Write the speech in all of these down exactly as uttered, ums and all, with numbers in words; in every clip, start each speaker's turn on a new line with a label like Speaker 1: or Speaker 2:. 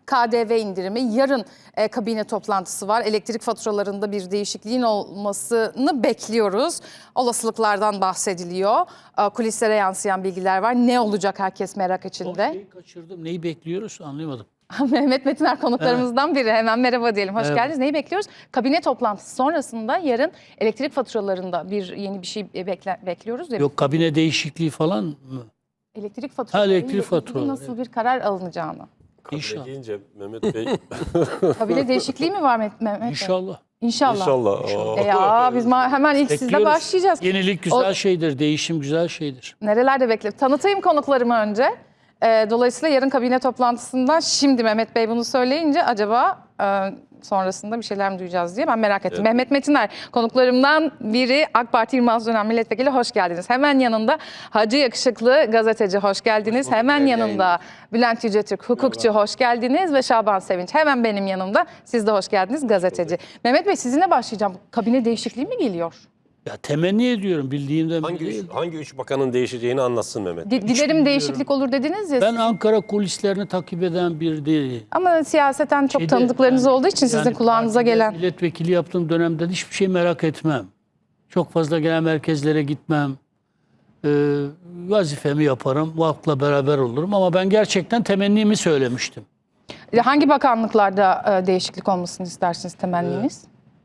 Speaker 1: K D V indirimi, yarın e, kabine toplantısı var. Elektrik faturalarında bir değişikliğin olmasını bekliyoruz. Olasılıklardan bahsediliyor. E, kulislere yansıyan bilgiler var. Ne olacak herkes merak
Speaker 2: O
Speaker 1: içinde.
Speaker 2: şeyi kaçırdım. Neyi bekliyoruz anlayamadım.
Speaker 1: Mehmet Metiner konuklarımızdan biri. Hemen merhaba diyelim. Hoş
Speaker 2: Merhaba.
Speaker 1: geldiniz. Neyi bekliyoruz? Kabine toplantısı sonrasında yarın elektrik faturalarında bir yeni bir şey bekle, bekliyoruz. Ya.
Speaker 2: Yok kabine değişikliği falan mı?
Speaker 1: Elektrik faturaları
Speaker 2: elektrik
Speaker 1: ile ilgili
Speaker 2: faturaları,
Speaker 1: nasıl bir karar alınacağını.
Speaker 3: Kabine
Speaker 2: İnşallah.
Speaker 3: deyince Mehmet Bey
Speaker 1: Kabine değişikliği mi var Mehmet Mehmet Bey?
Speaker 2: İnşallah.
Speaker 1: İnşallah.
Speaker 3: inşallah.
Speaker 1: E ya biz ma- hemen ilk sizle
Speaker 2: Bekliyoruz.
Speaker 1: başlayacağız.
Speaker 2: Yenilik güzel
Speaker 1: O-
Speaker 2: şeydir, değişim güzel şeydir.
Speaker 1: Nerelerde bekle? Tanıtayım konuklarımı önce. Ee, dolayısıyla yarın kabine toplantısından şimdi Mehmet Bey bunu söyleyince acaba e, sonrasında bir şeyler mi duyacağız diye ben merak ettim.
Speaker 3: Evet.
Speaker 1: Mehmet Metiner konuklarımdan biri, AK Parti yirmi altı dönem milletvekili, hoş geldiniz. Hemen yanında Hacı Yakışıklı gazeteci, hoş geldiniz. Hemen yanında Bülent Yücetürk hukukçu, hoş geldiniz ve Şaban Sevinç hemen benim yanımda. Siz de hoş geldiniz, gazeteci. Mehmet Bey sizinle başlayacağım. Kabine değişikliği mi geliyor?
Speaker 2: Ya temenni ediyorum bildiğimden
Speaker 3: Hangi
Speaker 2: biri
Speaker 3: üç,
Speaker 2: değil.
Speaker 3: hangi üç bakanın değişeceğini anlatsın Mehmet.
Speaker 1: Di- Dilerim değişiklik olur dediniz ya.
Speaker 2: Ben
Speaker 1: siz.
Speaker 2: Ankara kulislerini takip eden bir değil.
Speaker 1: Ama siyaseten çok
Speaker 2: Şeyde,
Speaker 1: tanıdıklarınız
Speaker 2: yani-
Speaker 1: olduğu için sizin
Speaker 2: yani
Speaker 1: kulağınıza
Speaker 2: partide
Speaker 1: gelen.
Speaker 2: Milletvekili yaptığım dönemde hiçbir şey merak etmem. Çok fazla genel merkezlere gitmem. Ee, vazifemi yaparım. Halkla beraber olurum. Ama ben gerçekten temennimi söylemiştim.
Speaker 1: Hangi bakanlıklarda e, değişiklik olmasını istersiniz temenniniz?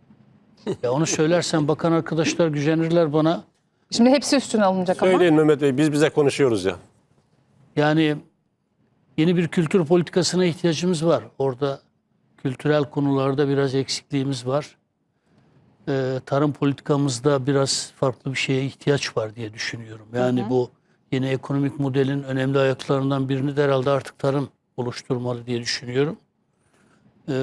Speaker 2: Ya onu söylersem bakan arkadaşlar gücenirler bana.
Speaker 1: Şimdi hepsi üstüne alınacak ama.
Speaker 3: Söyleyin Mehmet Bey, biz bize konuşuyoruz ya.
Speaker 2: Yani yeni bir kültür politikasına ihtiyacımız var. Orada kültürel konularda biraz eksikliğimiz var. Ee, tarım politikamızda biraz farklı bir şeye ihtiyaç var diye düşünüyorum. Yani bu yeni ekonomik modelin önemli ayaklarından birini de herhalde artık tarım oluşturmalı diye düşünüyorum. Ee,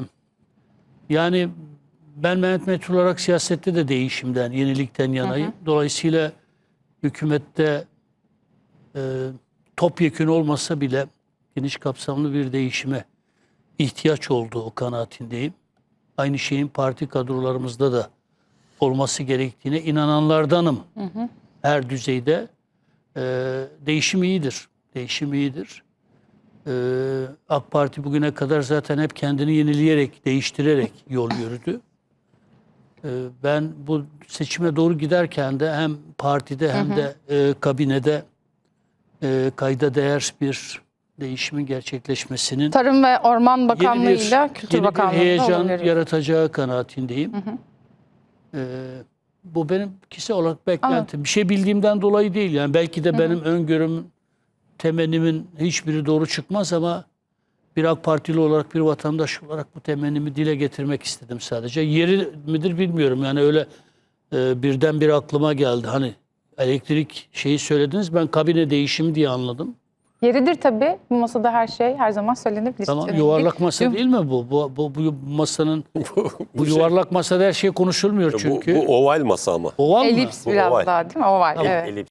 Speaker 2: yani ben Mehmet Metiner olarak siyasette de değişimden, yenilikten yanayım. Dolayısıyla hükümette e, topyekün olmasa bile geniş kapsamlı bir değişime ihtiyaç olduğu kanaatindeyim. Aynı şeyin parti kadrolarımızda da olması gerektiğine inananlardanım. Hı hı. Her düzeyde e, değişim iyidir. Değişim iyidir. E, AK Parti bugüne kadar zaten hep kendini yenileyerek, değiştirerek yol yürüdü. E, ben bu seçime doğru giderken de hem partide hem hı hı. de e, kabinede e, kayda değer bir değişimin gerçekleşmesinin
Speaker 1: Tarım ve Orman Bakanlığı
Speaker 2: yeni bir,
Speaker 1: ile Kültür
Speaker 2: yeni bir
Speaker 1: Bakanlığı'nda
Speaker 2: heyecan
Speaker 1: olabilir.
Speaker 2: yaratacağı kanaatindeyim. Hı hı. Ee, bu benim kişisel olarak beklentim. Bir şey bildiğimden dolayı değil. Yani belki de hı hı. benim öngörüm, temennimin hiçbiri doğru çıkmaz ama bir AK Partili olarak, bir vatandaş olarak bu temennimi dile getirmek istedim sadece. Yeri midir bilmiyorum. Yani öyle e, birden bir aklıma geldi. Hani elektrik şeyi söylediniz. Ben kabine değişimi diye anladım.
Speaker 1: Yeridir tabii. Bu masada her şey her zaman söylenebilir.
Speaker 2: Tamam,
Speaker 1: Yani
Speaker 2: yuvarlak
Speaker 1: bir-
Speaker 2: masa değil mi bu? Bu, bu, bu masanın bu yuvarlak masada her şey konuşulmuyor çünkü.
Speaker 3: Bu, bu oval masa ama.
Speaker 2: Oval mı?
Speaker 1: Elips
Speaker 3: Bu
Speaker 1: biraz
Speaker 3: oval.
Speaker 1: daha değil mi? Oval.
Speaker 2: Tamam.
Speaker 1: Evet.
Speaker 3: Elips.